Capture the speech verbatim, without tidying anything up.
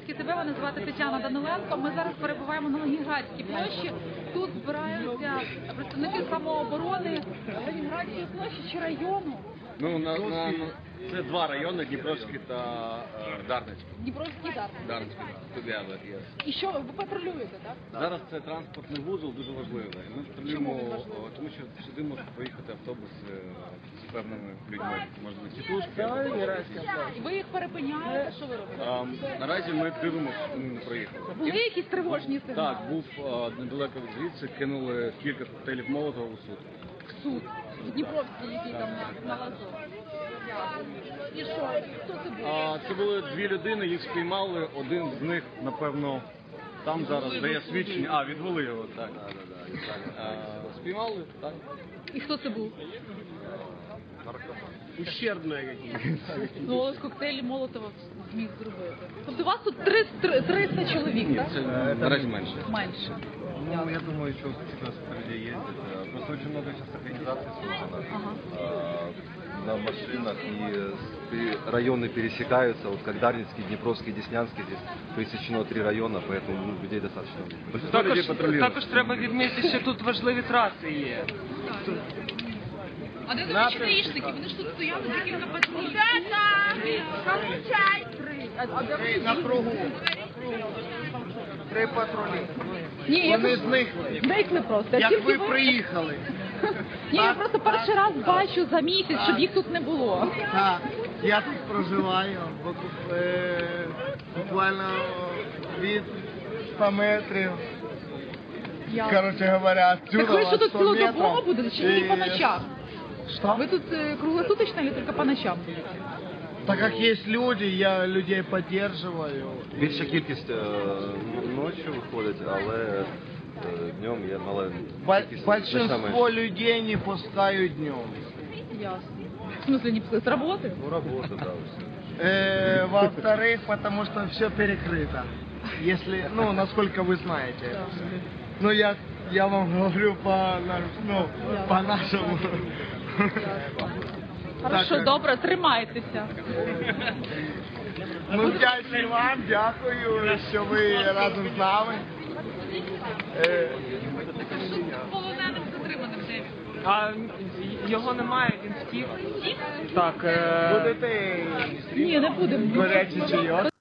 Донецьке ТВ, мене звати Тетяна Даниленко. Ми зараз перебуваємо на Ленінградській площі. Тут збираються представники самооборони Ленінградської площі чи району. Ну, на, на, це два райони, Дніпровський та е, Дарницький. Дніпровський і Дарницький. Дарницький, together, yes. І що, ви патрулюєте, так? Зараз це транспортний вузол дуже важливий. Ми патрулюємо, Чому він важливий? тому що сюди можуть поїхати автобуси з певними людьми. Може бути тітушки. І ви їх перепиняєте, що ви робите? А, наразі ми дивимося, щоб вони не проїхали. Були якісь тривожні сигнали? Так, був а, недалеко від звідси, кинули кілька коктейлів Молотова у суд. В суд. Дніпровський, який там на, на лазу. І що? Хто це був? А, це були дві людини, їх спіймали, один з них, напевно, там зараз дає свідчення. А, відвели його, так. А, спіймали, так. І хто це був? Ущербне якісь. Ну, ось коктейлі Молотова зміг зробити. Тобто у вас тут триста чоловік, Ні, так? це наразі менше. Менше. Ну, я думаю, что сейчас людей ездит. Просто очень много сейчас организаций создано Ага. э, на машинах, и пе- районы пересекаются. Вот как Дарницкий, Днепровский, Деснянский, здесь пересечено три района, поэтому ну, людей достаточно. Большинство людей Також, патрулирует. також треба відмітити, що тут важливі траси є. А де наші гаїшники? Вони ж тут стояли декілька патрулів. На кругу. Три патрулі. Ні, я Вони просто- зникли. Зникли просто. Як Тільки ви приїхали. Ні, я просто перший раз бачу за місяць, щоб їх тут не було. Так, я тут проживаю, бу- е, буквально від ста метрів. Я... Короче говоря, отсюда Так ви що тут сто цілодобово метрів. будете, чи тільки І- по ночам? Что? Ви тут е, круглосуточно чи тільки по ночам? Так как есть люди, я людей поддерживаю. Більша кількість е, ночі виходить, але е, днем є мала Бо- кількість. Большинство людей не пускают днем. Ясно. В смысле, не пускай, з роботи? Ну, робота, да, все. Э, во-вторых, потому что все перекрыто. Если, ну, насколько вы знаете. Ну, я, я вам говорю по, на- ну, по нашему. Хорошо, Так, добре, тримайтеся. Ну, вдячний вам, дякую, що ви разом з нами. Е, Полоненим затриманим де він? А його немає, він втік. Так. Е... Будете Ні, не будемо. гарячий чайок?